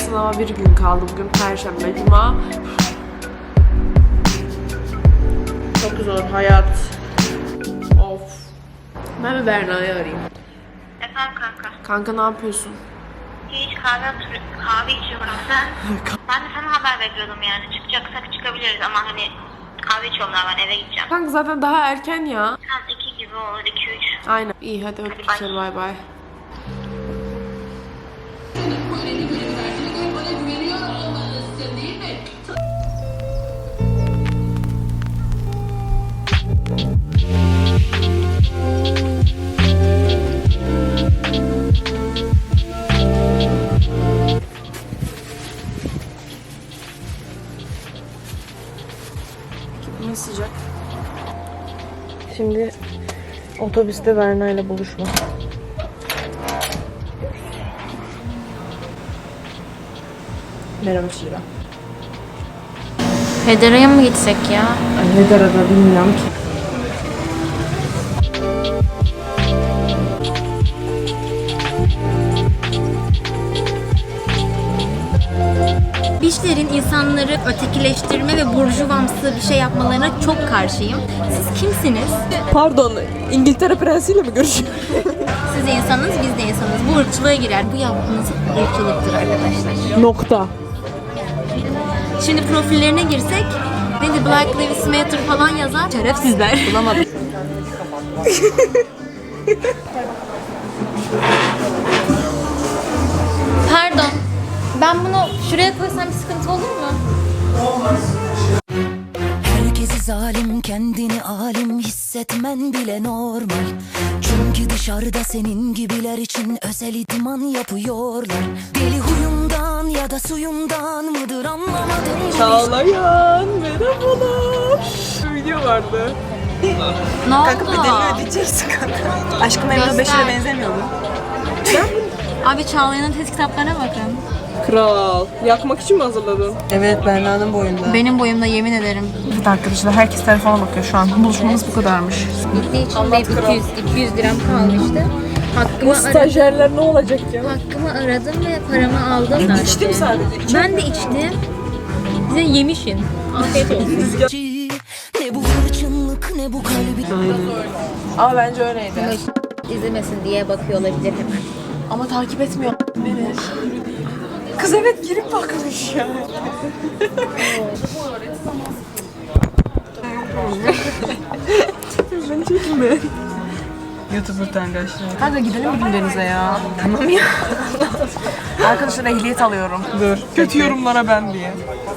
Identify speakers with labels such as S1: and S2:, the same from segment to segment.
S1: sınava bir gün kaldı. Bugün Perşembe, Cuma. Çok zor hayat. Of. Ben bir Berna'yı arayayım.
S2: Efendim kanka.
S1: Kanka ne yapıyorsun?
S2: Hiç kahve içiyorum sen. Ben de sana haber bekliyordum yani. Çıkacaksak çıkabiliriz ama hani kahve içiyorum daha, ben eve gideceğim.
S1: Kanka zaten daha erken ya.
S2: Tam 2 gibi olur, 2-3.
S1: Aynen. İyi hadi öptük seni, bay bay. Ne sıcak. Şimdi otobüste Berna ile buluşma. Merhaba Şira.
S3: Federa'ya mı gitsek ya?
S1: Ne derede bilmiyorum ki.
S3: Beachlerin insanları ötekileştirme ve burjuvamsı bir şey yapmalarına çok karşıyım. Siz kimsiniz?
S1: Pardon, İngiltere prensiyle mi görüşüyor?
S3: Siz de insanız, biz de insanız. Bu ırkçılığa girer. Bu yaptığınız ırkçılıktır arkadaşlar.
S1: Nokta.
S3: Şimdi profillerine girsek, ne Black Lives Matter falan yazar. Şerefsizler. Bulamadım. Pardon. Ben bunu şuraya koysam bir sıkıntı olur mu?
S4: Herkesi zalim, kendini alim hissetmen bile normal. Çünkü dışarıda senin gibiler için özel idman yapıyorlar. Deli huyundan ya da suyundan mıdır anlamadım.
S1: Çağlayan, merhabalar. Video vardı.
S3: Ne oldu?
S5: Kanka bedelini ödeyeceksin kanka. Aşkım Memnu 5
S3: Göster.
S5: lira benzemiyor mu?
S3: Abi Çağlayan'ın test kitaplarına bakın.
S1: Kral. Yakmak için mi hazırladın?
S5: Evet, Berna'nın boyunda.
S3: Benim boyumda yemin ederim.
S1: Evet arkadaşlar, herkes telefona bakıyor şu an. Buluşmamız bu kadarmış.
S3: Gittiği için de 200 liram kalmıştı. Hakkımı
S1: Stajyerler ne olacak ya?
S3: Hakkımı aradım ve paramı aldım.
S5: İçtim sadece.
S3: Ben de içtim. Bize yemişin. Afiyet olsun.
S4: Ne bu hırçınlık ne bu kalbi.
S1: Ama bence öyleydi.
S3: İzlemesin diye bakıyor olabilir hemen.
S1: Ama takip etmiyor beni. Kız evet girip bakmış ya. Beni çekme.
S5: YouTuber arkadaşlar.
S1: Hadi gidelim bir gün denize ya. Tamam ya. Arkadaşlar ehliyet alıyorum.
S5: Dur. Kötü yorumlara ben diye.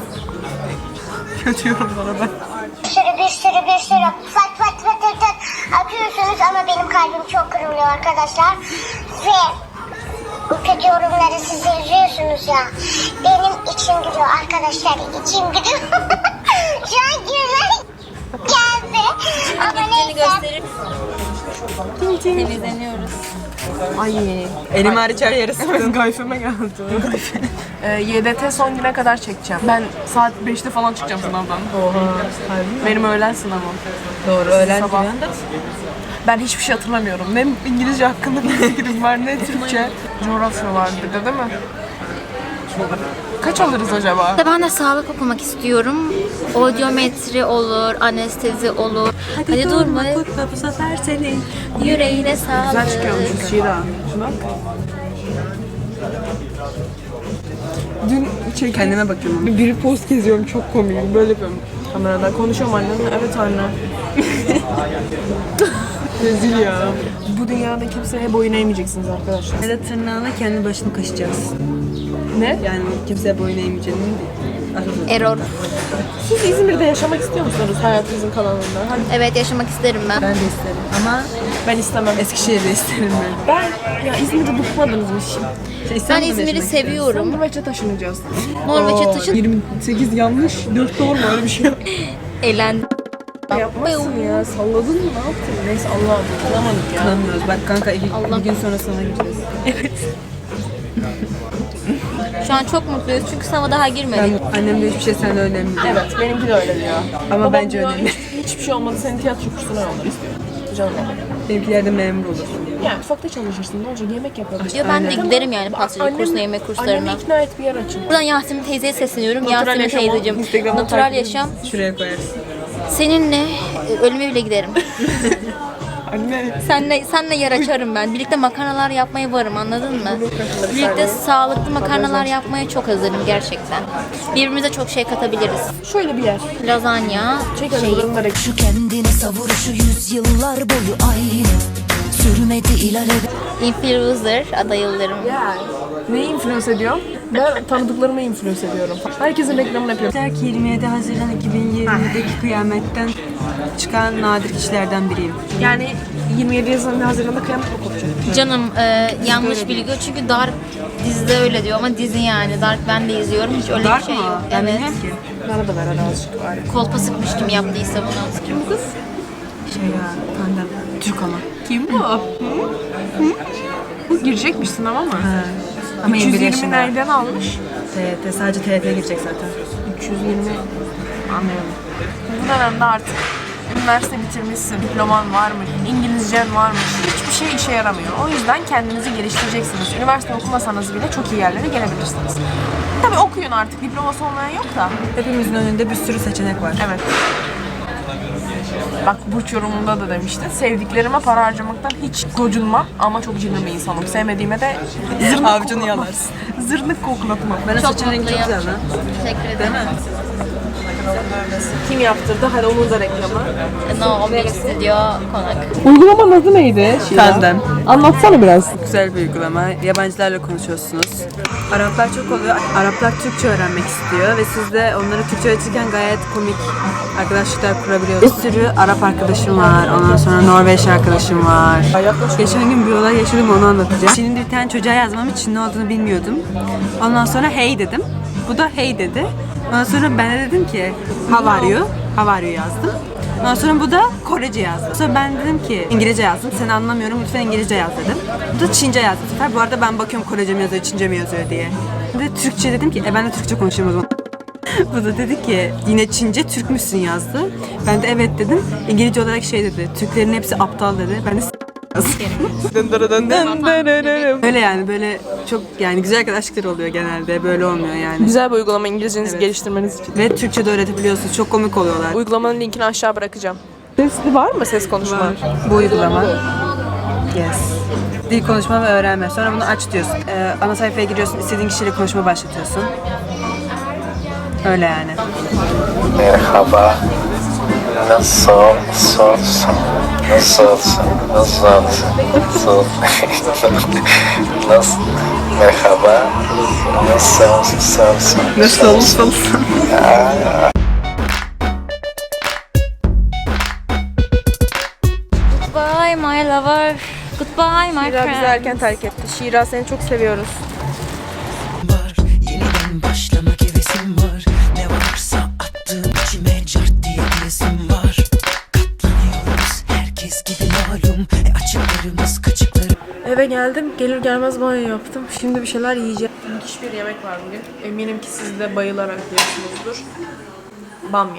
S5: Kötü yorumlara ben.
S2: Bir sürü fat fat fat fat fat atıyorsunuz ama benim kalbim çok kırılıyor arkadaşlar. Ve bu kötü yorumları siz yazıyorsunuz ya. Benim içim gidiyor arkadaşlar, içim gidiyor. Şu an güzel geldi. Ama neyse.
S3: Temizleniyoruz.
S1: Ay.
S5: Elim hariç her yere sıktım.
S1: Gayfeme geldi. YDT son güne kadar çekeceğim. Ben saat 5'te falan çıkacağım sınavdan.
S5: Oha.
S1: Benim öğlen sınavım.
S5: Doğru, öğlen
S1: Sabah.
S5: diyor.
S1: Ben hiçbir şey hatırlamıyorum. Ne İngilizce hakkında bir fikrim var, ne Türkçe. Coğrafya vardı değil mi? Kaç alırız acaba?
S3: Ben de sağlık okumak istiyorum. Audiometri olur, anestezi olur. Hadi durma.
S5: Kutla bu sefer senin.
S3: Yüreğine sağlık.
S1: Güzel çıkıyormuş Şira. Şuna. Dün
S5: Kendime bakıyorum.
S1: biri post geziyorum, çok komik. Böyle yapıyorum kameradan. Konuşuyorum annemle. Evet anne. Rezil ya. Bu dünyada kimseye boyun eğmeyeceksiniz arkadaşlar.
S5: Ya da tırnağına kendi başını kaşıyacağız.
S1: Ne?
S5: Yani kimseye boyun eğmeyeceğini değil.
S3: Error.
S1: Siz İzmir'de yaşamak istiyor musunuz hayatınızın kalanında? Hadi.
S3: Evet, yaşamak isterim ben.
S5: Ben de isterim. Ama
S1: Ben istemem.
S5: Eskişehir'de isterim ben.
S1: Ben ya İzmir'de bıkmadınız mı şimdi?
S3: Ben İzmir'i seviyorum.
S1: Norveç'e taşınacağız.
S3: Norveç'e taşın.
S5: 28 yanlış, 4 doğru mu? Öyle bir şey yok.
S3: Eğlendim.
S1: Yapmazsın ya. Salladın mı? Ne yaptın? Neyse Allah'ım. Kılamadık ya.
S5: Tanımıyoruz. Bak kanka iki gün sonra sana gideceğiz.
S3: Şu an çok mutluyuz çünkü sınava daha girmedik.
S5: Annem de hiçbir şey senden önemli değil.
S1: Evet, benimki de öyle diyor.
S5: Ama
S1: Babam
S5: bence
S1: diyor,
S5: önemli.
S1: Hiçbir şey olmadı, seni tiyatro kursuna yollar istiyor. Canım.
S5: Benimkilerde memur olur.
S1: Yani mutfakta çalışırsın. Ne olacak? Yemek yaparız.
S3: Ya ben de giderim yani pastacılık kursuna, yemek kurslarına.
S1: Annemi ikna et bir yer açın.
S3: Buradan Yasemin teyzeye sesleniyorum.
S1: Natural
S3: Yasemin
S1: yaşam o.
S3: teyzeciğim,
S1: Instagram'dan
S3: natural
S1: takip
S3: yaşam.
S5: Şuraya koyarsın.
S3: Seninle ölüme bile giderim.
S1: Anne.
S3: Senle yer açarım ben. Birlikte makarnalar yapmaya varım, anladın mı? Birlikte sağlıklı makarnalar yapmaya çok hazırım gerçekten. Birbirimize çok şey katabiliriz.
S1: Şöyle bir yer.
S3: Lazanya,
S1: Bunları
S4: Şu kendini savuruşu yüzyıllar boyu aynı. Sürmedi ileride.
S3: influencer adaylarım.
S1: Neyi influence ediyorum? Ben tanıdıklarımı influence ediyorum. Herkesin reklamını yapıyorum.
S5: Der ki 27 Haziran 2020'deki kıyametten çıkan nadir kişilerden biriyim.
S1: Yani 27 Haziran'da kıyamet mi kopacak?
S3: Canım yanlış bilgi çünkü Dark dizide öyle diyor ama dizi yani. Dark ben de izliyorum, hiç öyle
S5: Dark
S3: bir şey
S5: mı?
S3: yok.
S5: Ben
S3: Evet.
S5: bilmiyorum ki.
S1: Bana da ver hadi azıcık var.
S3: Kolpa sıkmış kim yaptıysa bunu.
S1: Kim bu kız?
S5: Şey ya, pandem. Türk ama.
S1: Kim bu? Bu girecekmiş sınava mı?
S5: Ama 21
S1: 320
S5: yaşında.
S1: nereden almış?
S5: TYT, sadece TYT'ye girecek zaten.
S1: 320 anlıyorum. Bu dönemde artık üniversite bitirmişsin, diploman var mı, İngilizcen var mı? Hiçbir şey işe yaramıyor. O yüzden kendinizi geliştireceksiniz. Üniversite okumasanız bile çok iyi yerlere gelebilirsiniz. Tabii okuyun artık, diploması olmayan yok da.
S5: Hepimizin önünde bir sürü seçenek var.
S1: Evet. Bak Burç yorumunda da demişti. Sevdiklerime para harcamaktan hiç gocunmam ama çok cimri bir insanım. Sevmediğime de zırnık
S5: Avcunu
S1: koklatmam.
S5: yalarsın.
S1: Zırnık koklatmam.
S5: Ben
S3: Çok
S5: saçın rengi çok
S3: mutluyum.
S5: güzel lan.
S3: Teşekkür ederim.
S1: Kim yaptırdı? Hadi onun da reklamı.
S3: No, bir stüdyo konak.
S1: Uygulamanın adı neydi?
S5: Pandem.
S1: Anlatsana biraz.
S5: Güzel bir uygulama. Yabancılarla konuşuyorsunuz. Araplar çok oluyor. Araplar Türkçe öğrenmek istiyor ve siz de onları Türkçe öğretirken gayet komik arkadaşlıklar kurabiliyorsunuz. Bir sürü Arap arkadaşım var. Ondan sonra Norveç arkadaşım var. Geçen gün bir olay yaşadım, onu anlatacağım. Çin'de bir tane çocuğa yazmam için ne olduğunu bilmiyordum. Ondan sonra hey dedim. Bu da hey dedi. Ondan sonra ben de dedim ki how are you? How are you yazdım. Ondan sonra bu da Korece yazdı. Sonra ben dedim ki İngilizce yazdım. Seni anlamıyorum. Lütfen İngilizce yaz dedim. Bu da Çince yazdı. Bu sefer bu arada ben bakıyorum Korece mi yazıyor, Çince mi yazıyor diye. Ben de Türkçe dedim ki ben de Türkçe konuşayım o zaman. Bu da dedi ki yine Çince Türk müsün yazdı. Ben de evet dedim. İngilizce olarak şey dedi. Türklerin hepsi aptal dedi. Ben de öyle yani böyle çok yani güzel arkadaşlıklar oluyor genelde. Böyle olmuyor yani.
S1: Güzel bir uygulama İngilizcenizi
S5: Evet.
S1: geliştirmeniz için.
S5: Ve Türkçe de öğretebiliyorsunuz. Çok komik oluyorlar.
S1: Uygulamanın linkini aşağı bırakacağım. Sesli var mı ses konuşma?
S5: Bu uygulama. Yes. Dil konuşma ve öğrenme. Sonra bunu aç diyorsun. Ana sayfaya giriyorsun. İstediğin kişiyle konuşma başlatıyorsun. Öyle yani.
S6: Merhaba. Nasılsın? Merhaba. Nasılsın?
S3: Goodbye my lover. Goodbye my
S1: Şira bizi
S3: friend.
S1: erken terk etti. Şira seni çok seviyoruz.
S7: Var, yeniden başlamak hevesim var. Ne varsa attığım içime cart diye diyesim var. Katlanıyoruz herkes gibi malum. Açıklarımız kaçıkları.
S1: Eve geldim. Gelir gelmez banyo yaptım. Şimdi bir şeyler yiyeceğim. Müthiş bir yemek var bugün. Eminim ki siz de bayılarak yiyorsunuzdur. Bamya.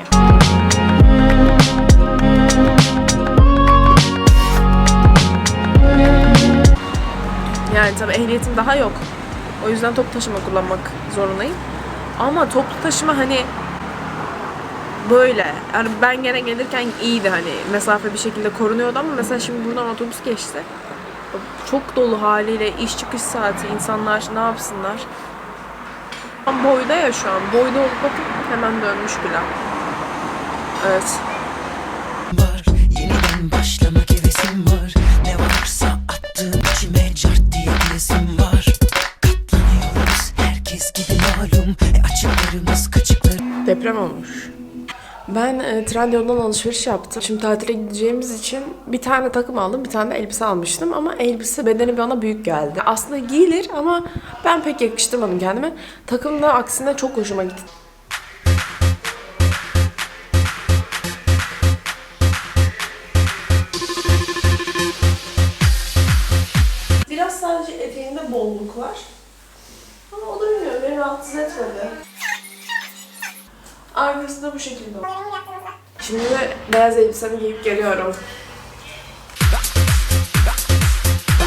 S1: Yani tabii ehliyetim daha yok. O yüzden toplu taşıma kullanmak zorundayım. Ama toplu taşıma hani böyle. Yani ben gene gelirken iyiydi hani mesafe bir şekilde korunuyordu ama mesela şimdi buradan otobüs geçti. Çok dolu haliyle iş çıkış saati insanlar ne yapsınlar? Tam boyda ya şu an. Boyda olup bakın hemen dönmüş bile. Evet.
S7: Var, yeniden başlamak hevesim var. Ne varsa attığım içime cart diye diyesim var. Katlanıyoruz herkes gibi malum. Açıklarımız kaçıkları.
S1: Deprem olmuş. Ben Trendyol'dan alışveriş yaptım. Şimdi tatile gideceğimiz için bir tane takım aldım, bir tane de elbise almıştım ama elbise bedeni bana büyük geldi. Aslında giyilir ama ben pek yakıştırmadım kendime. Takım da aksine çok hoşuma gitti. Biraz sadece eteğinde bolluk var. Ama o da bilmiyorum, beni rahatsız etmedi. Arkası da bu şekilde. Şimdi de beyaz elbisemi giyip geliyorum.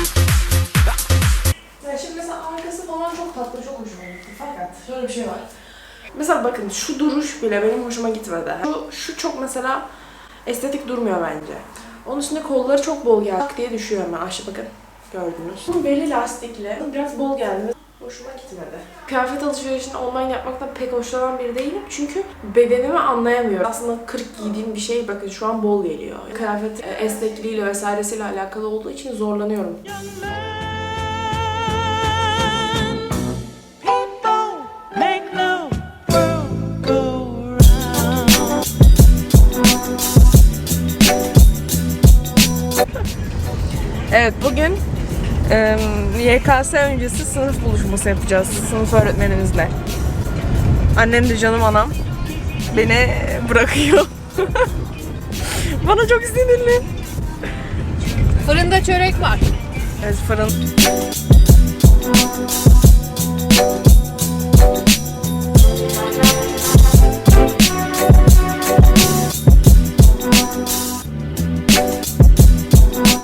S1: tatlı çok hoşuma gitti. Fakat şöyle bir şey var. Mesela bakın şu duruş bile benim hoşuma gitmedi. Şu çok mesela estetik durmuyor bence. Onun üstünde kolları çok bol geldi. Tak diye düşüyor hemen. Aşağı bakın. Gördünüz. Bunun belli lastikli. Biraz bol geldi. Hoşuma gitmedi. Kıyafet alışverişini online yapmaktan pek hoşlanan biri değilim. Çünkü bedenimi anlayamıyorum. Aslında 40 giydiğim bir şey bakın şu an bol geliyor. Kıyafet esnekliğiyle vesairesiyle alakalı olduğu için zorlanıyorum. Evet, bugün YKS öncesi sınıf buluşması yapacağız sınıf öğretmenimizle. Annem de canım anam beni bırakıyor. Bana çok sinirli.
S3: Fırında çörek var.
S1: Evet, fırın.